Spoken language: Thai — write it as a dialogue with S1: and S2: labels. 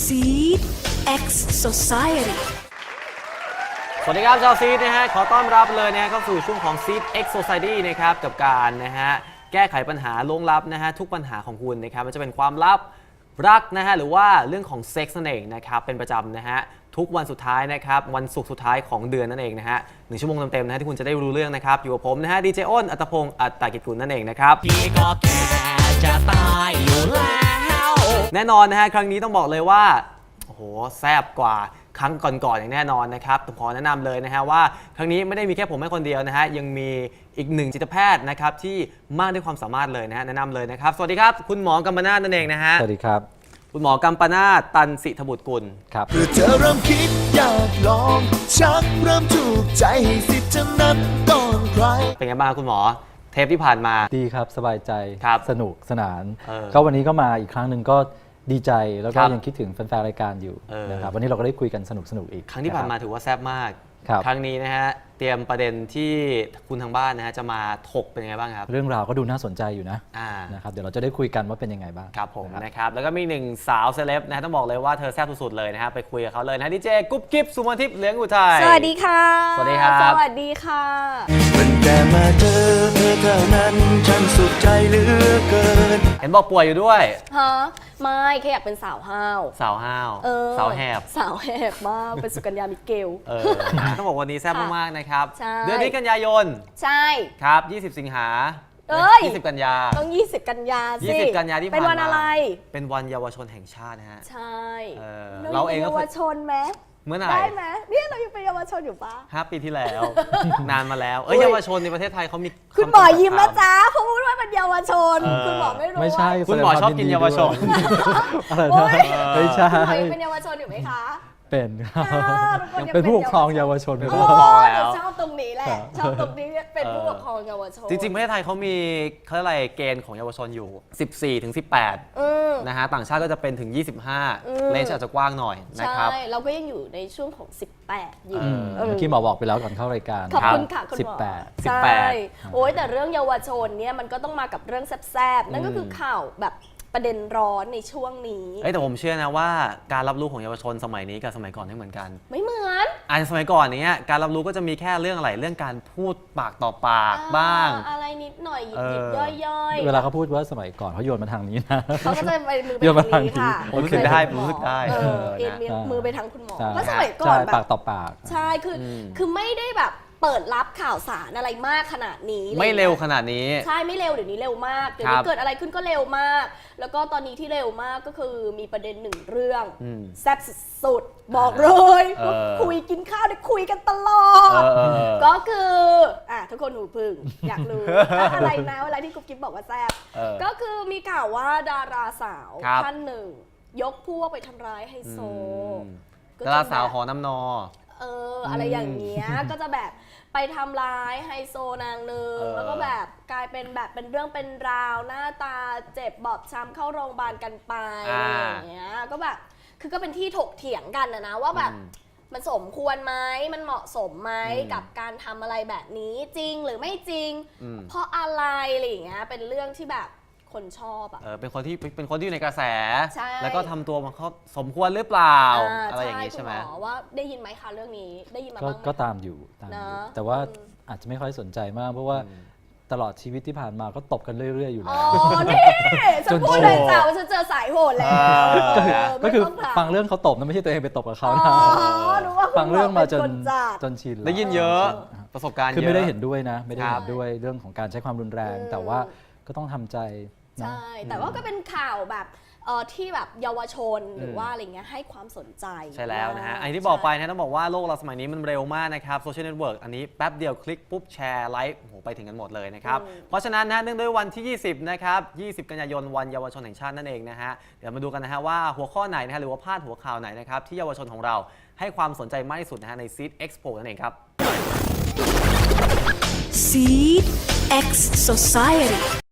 S1: Seed X Society
S2: สวัสดีครับชาวซีดนะฮะขอต้อนรับเลยนะฮะเข้าสู่ช่วงของ Seed X Society นะครับกับการนะฮะแก้ไขปัญหาล่วงลับนะฮะทุกปัญหาของคุณนะครับมันจะเป็นความลับรักนะฮะหรือว่าเรื่องของเซ็กซ์นั่นเองนะครับเป็นประจำนะฮะทุกวันสุดท้ายนะครับวันศุกร์สุดท้ายของเดือนนั่นเองนะฮะ1 ชั่วโมงเต็มๆนะฮะที่คุณจะได้รู้เรื่องนะครับอยู่กับผมนะฮะดีเจอ้นอัตพงศ์อัตตกิจกุลนั่นเองนะครับพี่ก็แก่จะตายอยู่แล้วแน่นอนนะฮะครั้งนี้ต้องบอกเลยว่าโอ้โหแซ่บกว่าครั้งก่อนๆอย่างแน่นอนนะครับขอแนะนำเลยนะฮะว่าครั้งนี้ไม่ได้มีแค่ผมแค่คนเดียวนะฮะยังมีอีกหนึ่งจิตแพทย์นะครับที่มากด้วยความสามารถเลยนะฮะแนะนำเลยนะครับสวัสดีครับคุณหมอกัมปนาทนั่นเองนะฮะ
S3: สวัสดีครับ
S2: คุณหมอกัมปนาทตันสิทบุตรกุล
S3: ครับ
S4: เพื่อเธอเริ่มคิดอยากลองชักเริ่มถูกใจให้สิทธิ์จะนั้นก่อนใคร
S2: เป็นไงบ้างคุณหมอเทปที่ผ่านมา
S3: ดีครับสบายใจสนุกสนานก็วันนี้ก็มาอีกครั้งหนึ่งก็ดีใจแล้วก็ยังคิดถึงแฟนๆรายการอยู่นะครับวันนี้เราก็ได้คุยกันสนุกอีก
S2: ครั้งที่ผ่านมาถือว่าแซ่บมากครั้งนี้นะฮะเตรียมประเด็นที่คุณทางบ้านนะฮะจะมาถกเป็นยังไงบ้างครับ
S3: เรื่องราวก็ดูน่าสนใจอยู่นะครับเดี๋ยวเราจะได้คุยกันว่าเป็นยังไงบ้าง
S2: ครับผมนะครับแล้วก็มีหนึ่งสาวเซเลบนะฮะต้องบอกเลยว่าเธอแซ่บสุดๆเลยนะฮะไปคุยกับเขาเลยนะดีเจกุ๊บกิ๊บสุมนทิพย์เหลืองอุทัย
S5: สวัสดีค่ะ
S2: สวัสดีครับ
S5: สวัสดีค่ะ
S4: มันแต่มาเธอเท่านั้นฉันสุขใจเหลือเกิน
S2: เห็นบอกป่วยอยู่ด้วย
S5: ฮะไม่แค่อยากเป็นสาวห้าว
S2: สาวห้าวสาวแหบ
S5: มากเป็นสุกัญญามิเกล
S2: ต้องบอกวันนี้แซ่บมากๆนะครับเดือนนี้กันยายน
S5: ใช่
S2: ครับ20 สิงหา20 กันยา
S5: ต้อง20 กันยาสิ
S2: 20 กันยาที่ผ่านมา
S5: เป็นวันอะไร
S2: เป็นวันเยาวชนแห่งชาตินะฮะ
S5: ใช่
S2: เราเองก็
S5: เยาวชนไหม
S2: เมื่อไหร่
S5: ได้ไหมเนี่ยเรายังเป็นเยาวชนอยู่ปะ
S2: 5 ปีที่แล้วนานมาแล้วเยาวชนในประเทศไทยเขามี
S5: คุณหมอยิ้มนะจ๊ะเขาพูดว่าเป็นเยาวชนคุณหมอไม่รู้
S3: ไม่ใช่
S2: คุณหมอชอบกินเยาวชน
S3: อะไรนะไม่ใช่
S5: เป็นเยาวชนอยู่ไหมคะ
S3: เป็นเป็นผู้ปกครองเยาวชน
S2: เป็นผู้ปกครองแล้ว
S5: ชอบตรงนี้แหละชอบตรงนี้เป็นผู้ปกครองเยาวชน
S2: จริงๆประเทศไทยเขามีเขาเรียกอะไรเกณฑ์ของเยาวชนอยู่14 ถึง 18นะฮะต่างชาติก็จะเป็นถึง25เลนส์อาจจะกว้างหน่อยนะครับ
S5: ใช่เราก็ยังอยู่ในช่วงของ18อยู่
S3: เมื่อกี้หมอบอกไปแล้วก่อนเข้ารายการ
S5: ขอบคุณค่ะคุณหมอ18โอ้ยแต่เรื่องเยาวชนเนี่ยมันก็ต้องมากับเรื่องแซ่บๆนั่นก็คือข่าวแบบประเด็นร้อนในช่วงนี้
S2: แต่ผมเชื่อนะว่าการรับรู้ของเยาวชนสมัยนี้กับสมัยก่อนไม่เหมือนกัน
S5: ไม่เหมือน
S2: สมัยก่อนนี้การรับรู้ก็จะมีแค่เรื่องอะไรเรื่องการพูดปากต่อปากบ้าง
S5: อะไรนิดหน่อยหยิบย่อย
S3: เวลาเขาพูดว่าสมัยก่อนเขาโยนมาทางนี้นะ
S5: เขาก็จะไปมือไปทางนี้ค่ะ
S2: รู้สึกได้รู้สึกได้
S5: มือไปทางคุณหมอเพราะสมัยก่อนแบบ
S3: ปากต่อปาก
S5: ใช่คือไม่ได้แบบเปิดรับข่าวสารอะไรมากขนาดนี้
S2: ไม่เร็วขนาดนี้
S5: ใช่ไม่เร็วเดี๋ยวนี้เร็วมากเดี๋ยวนี้เกิดอะไรขึ้นก็เร็วมากแล้วก็ตอนนี้ที่เร็วมากก็คือมีประเด็นหนึ่งเรื่องแซ่บสุดๆบอกเลยคุยกินข้าวได้คุยกันตลอดก็คือทุกคนหูพึ่งอยากรู้อะไรนะอะไรที่กุ๊บกิ๊บบอกว่าแซ่บก็คือมีข่าวว่าดาราสาวท่านหนึ่งยกพวกไปทำร้ายไฮโซ
S2: ดาราสาวหอน้ำนอ
S5: อะไรอย่างเงี้ยก็จะแบบไปทำร้ายไฮโซนางนึงแล้วก็แบบกลายเป็นแบบเป็นเรื่องเป็นราวหน้าตาเจ็บบอบช้ำเข้าโรงพยาบาลกันไปอะไรอย่างเงี้ยก็แบบคือก็เป็นที่ถกเถียงกันนะว่าแบบมันสมควรไหมมันเหมาะสมไหมกับการทำอะไรแบบนี้จริงหรือไม่จริงเพราะอะไรอะไรอย่างเงี้ยเป็นเรื่องที่แบบคนชอบ
S2: เป็นคนที่อยู่ในกระแสแล้วก็ทำตัวมันเขาสมควรหรือเปล่าอะไรอย่างนี้ใช่ไหม
S5: ว่าได้ยินไหมคะเรื่องนี้ได้ยินมาบ้าง
S3: ก็ตามอยู่แต่ว่าอาจจะไม่ค่อยสนใจมากเพราะว่าตลอดชีวิตที่ผ่านมาก็ตบกันเรื่อยๆอยู่แล้ว
S5: นี่ฉันพูดเลยจ้าว่าฉันเจอสายโหดแล้ว
S3: ก็คือฟังเรื่องเขาตบนะไม่ใช่ตัวเองไปตบกับเขานะฟังเรื่องมาจนชิน
S2: ได้ยินเยอะประสบการณ์
S3: คือไม่ได้เห็นด้วยนะไม่ได้เห็นด้วยเรื่องของการใช้ความรุนแรงแต่ว่าก็ต้องทำใจ
S5: ใช่แต่ว่าก็เป็นข่าวแบบที่แบบเยาวชนหรือว่าอะไรเงี้ยให้ความสนใจ
S2: ใช่แล้วนะฮะอันที่บอกไปนะต้องบอกว่าโลกเราสมัยนี้มันเร็วมากนะครับโซเชียลเน็ตเวิร์กอันนี้แป๊บเดียวคลิกปุ๊บแชร์ไลค์ไปถึงกันหมดเลยนะครับเพราะฉะนั้นนะเนื่องด้วยวันที่20นะครับ20 กันยายนวันเยาวชนแห่งชาตินั่นเองนะฮะเดี๋ยวมาดูกันนะฮะว่าหัวข้อไหนนะฮะหรือว่าพาดหัวข่าวไหนนะครับที่เยาวชนของเราให้ความสนใจมากที่สุดนะฮะใน Seed Expo นั่นเองครับ
S1: Seed X Society